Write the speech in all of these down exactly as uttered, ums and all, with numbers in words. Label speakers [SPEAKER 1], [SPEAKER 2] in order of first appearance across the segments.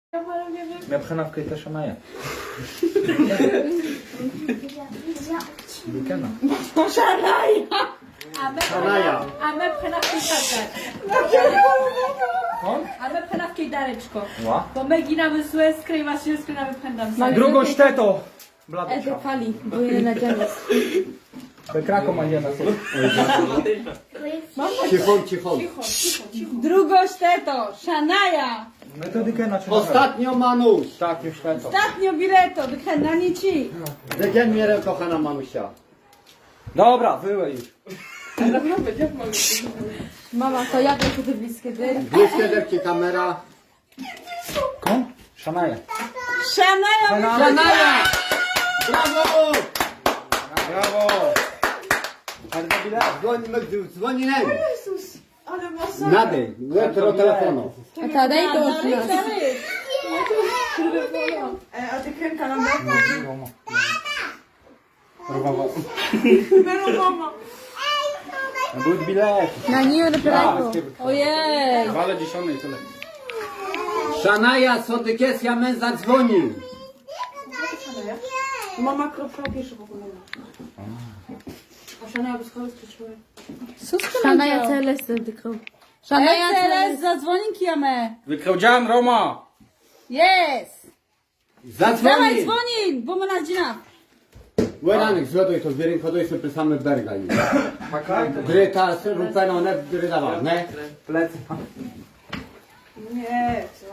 [SPEAKER 1] מבחינת קטע שמאיה. בקנה.
[SPEAKER 2] שנאיה.
[SPEAKER 3] Szanaja.
[SPEAKER 2] A my pchena w A my pchena w kejdareczko.
[SPEAKER 1] Ła?
[SPEAKER 2] Bo my ginamy złe, skrywa się, skrywa pchena.
[SPEAKER 1] Drugą sztetą.
[SPEAKER 2] Edo fali, bo je na dziale.
[SPEAKER 1] Bekrako Maria na sobie.
[SPEAKER 3] Cichon, cichon.
[SPEAKER 2] Drugą szteto, Szanaja.
[SPEAKER 1] Metodykę na czym?
[SPEAKER 3] Ostatnio Manuś.
[SPEAKER 1] Tak, już sztetą.
[SPEAKER 2] Ostatnio bileto, wychena nie ci.
[SPEAKER 3] Wygień mnie, kochana Manusia.
[SPEAKER 1] Dobra, wyłej już.
[SPEAKER 2] Mama, to ja wiem, kiedy bliskie dy.
[SPEAKER 3] Bliskie derki kamera.
[SPEAKER 1] Kom? Szanaja.
[SPEAKER 2] Szanaja,
[SPEAKER 3] Szanaja! Brawo!
[SPEAKER 1] Brawo.
[SPEAKER 3] Dzwoń, dzwoni nem.
[SPEAKER 2] Jezus, ale mocno.
[SPEAKER 3] Nady, jutro telefonu.
[SPEAKER 2] A ta daj to od nas. A ty kremka nam da?
[SPEAKER 1] Brawo.
[SPEAKER 2] Mero mama.
[SPEAKER 1] Будь bilet.
[SPEAKER 2] Na nie, naprawdę. Ojej.
[SPEAKER 1] Wale dziesiątej tyle.
[SPEAKER 3] Szanaja, sodykes, ja mę zadzwonił.
[SPEAKER 2] Mama kropka pisze w ogóle. A Szanaja bez kogoś skoczyła.
[SPEAKER 4] Szanaja Celes wykrył. Szanaja Celes
[SPEAKER 2] zadzwoni kiamę.
[SPEAKER 1] Wykrodziałem Roma.
[SPEAKER 2] Jest. Dawaj
[SPEAKER 3] Zadzwoni.
[SPEAKER 2] dzwoni, bo ma na dzina.
[SPEAKER 3] Łeranek, zloduj to, zbierim, choduj sobie przy samym bergaj. Gry ta, rupeno, ne, gry dawa, ne?
[SPEAKER 1] Plecy.
[SPEAKER 2] Nie, co?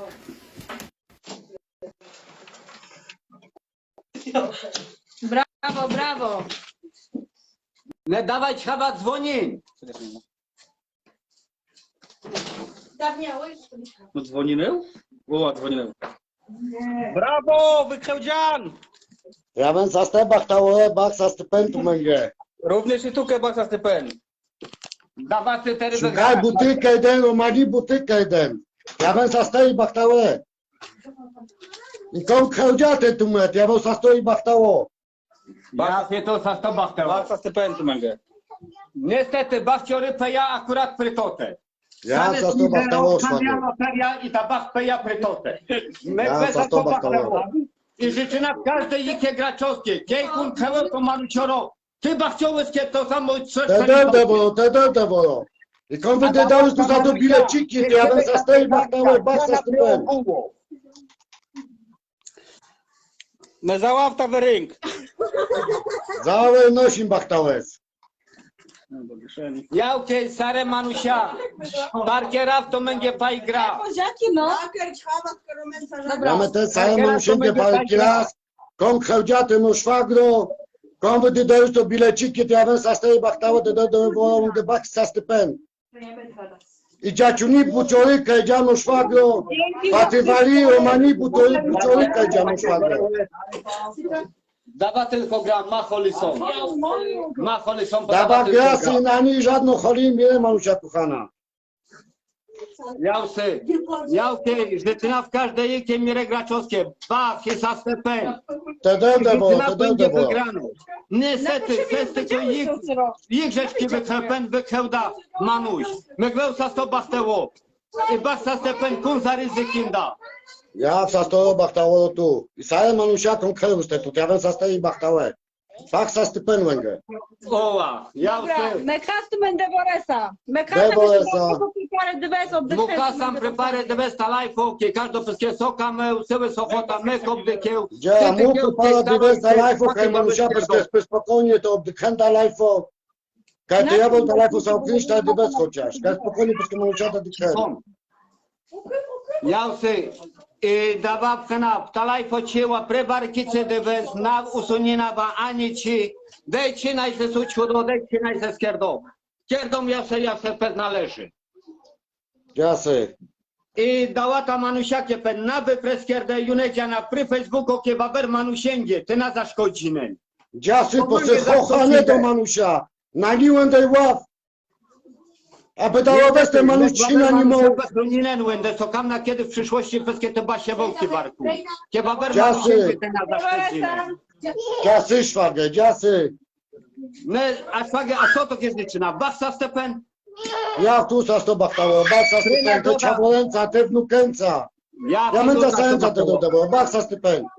[SPEAKER 2] Brawo, brawo.
[SPEAKER 3] Ne, dawaj, trzeba dzwonić.
[SPEAKER 1] No dzwonił? O, dzwonił. Brawo, wykrodzian.
[SPEAKER 5] Ja bym za stebach tało bach za stypendu będzie.
[SPEAKER 1] Również i tu kebak za stypen.
[SPEAKER 3] Dawaj, ty teraz
[SPEAKER 5] Szukaj butykę jeden, romani butykę jeden. Ja bym za stoi bach tało. I komu krędziate tu met, ja bym za stoi bach tało.
[SPEAKER 3] Ja się to za sto bachtał.
[SPEAKER 1] Bak za stypen tu męgę.
[SPEAKER 3] Niestety, bachciory peja akurat prytotę.
[SPEAKER 5] Ja za sto bach tało szwagier.
[SPEAKER 3] I ta bach peja prytotę. My
[SPEAKER 5] Ja
[SPEAKER 3] bez
[SPEAKER 5] za
[SPEAKER 3] za
[SPEAKER 5] to
[SPEAKER 3] to
[SPEAKER 5] bachtało.
[SPEAKER 3] bachtało. I życzyna w każdej ikie graczowskiej. Kiejkun, krełę to malucioro. Ty bachciołyskie to samo trzech
[SPEAKER 5] Te dędę wolą, te dędę wolą. I komu wy dałeś tu za to bileciki, to ja bym za stoi bach tało, bach za stypendu.
[SPEAKER 1] Me załawta w ring.
[SPEAKER 5] Załe nosim bach tałes.
[SPEAKER 3] Ja ukej sare manusia. Parkiera w to będzie paj gra.
[SPEAKER 2] Poziaki, no.
[SPEAKER 5] Ja my te całe manusienkie palki raz. Komu krędziate no szwagro. Komu wy dałeś to bileciki, to ja bym za stoi bach tało, to dędę wolą, to bach za stypendu. I dziaciuni bucioryka, dziano szwagro. Patywali, romani buciory, bucioryka, dziano szwagro.
[SPEAKER 3] Dawa tylko gra, macholi są. Macholi są, bo
[SPEAKER 5] Dawa
[SPEAKER 3] tylko
[SPEAKER 5] grasy i na niej żadną choli nie malusia kochana.
[SPEAKER 3] Jałsy, jałki, życzyna w każdej ikie mire graczowskie. Bach, jest astepen.
[SPEAKER 5] Te dędę było,
[SPEAKER 3] Życzyna
[SPEAKER 5] te
[SPEAKER 3] będzie
[SPEAKER 5] dędę było.
[SPEAKER 3] wygrano. Niestety, jest tylko ich, ich rzeczki wykrepen, wykrełda manuś. Mygleł sa sto bachteło. I bach sa stepen kun za ryzykinda.
[SPEAKER 5] Ja w sastoju bachtało tu. I same manusiakom kreuste tu, ja bym zastoi bachtałe. Bach sa stypen węgę.
[SPEAKER 3] Oła, jałsy.
[SPEAKER 2] Me custom and Devoresa. Me
[SPEAKER 5] Devoresa.
[SPEAKER 2] parę dywes od
[SPEAKER 3] Muka sam prepare de vesta lajfo, ke każdo peskie soka me, useły sochota, me kobdykieł.
[SPEAKER 5] Gdzie ja mu przypala dywesta lajfo, kaj manusia bez spokojnie to obdykhenda lajfo. Kaj to ja bym to lajfo sam kryć, ta dywest chociaż. Kaj spokojnie bez manusia to dykhenda.
[SPEAKER 3] Jałsy, i dawa pchena, ta lajfo cięła, prebarkice de vest, na usunina wa ani ci, dejcie najse sućudo, dejcie najse skierdo. Skierdą jase, jase pez należy.
[SPEAKER 5] Jasy.
[SPEAKER 3] I dała ta manusiakie pen na wypreskierdę junecia na pry Facebooku kie baber manusięgie, ty na zaszkodzinę.
[SPEAKER 5] Jasy, po se chochanie do manusia. Naliłem tej ław. Aby dało bez te manusina nie mogą.
[SPEAKER 3] Bezbruninen łędę, co kam na kiedy w przyszłości peskie te basie wołki barku. Kie baber
[SPEAKER 5] Jasy.
[SPEAKER 3] manusięgie, ty na zaszkodzinę.
[SPEAKER 5] Jasy szwagę, jasy.
[SPEAKER 3] My, a szwagie, a co to kiedy czyna? Bachsa stepen?
[SPEAKER 5] Ja tu sa sto bachtało, bach sa stypen, to czawolęca, te wnukenca.
[SPEAKER 3] Я
[SPEAKER 5] Я мен
[SPEAKER 3] пиду
[SPEAKER 5] за саен за
[SPEAKER 3] так,
[SPEAKER 5] да да да бакса степен.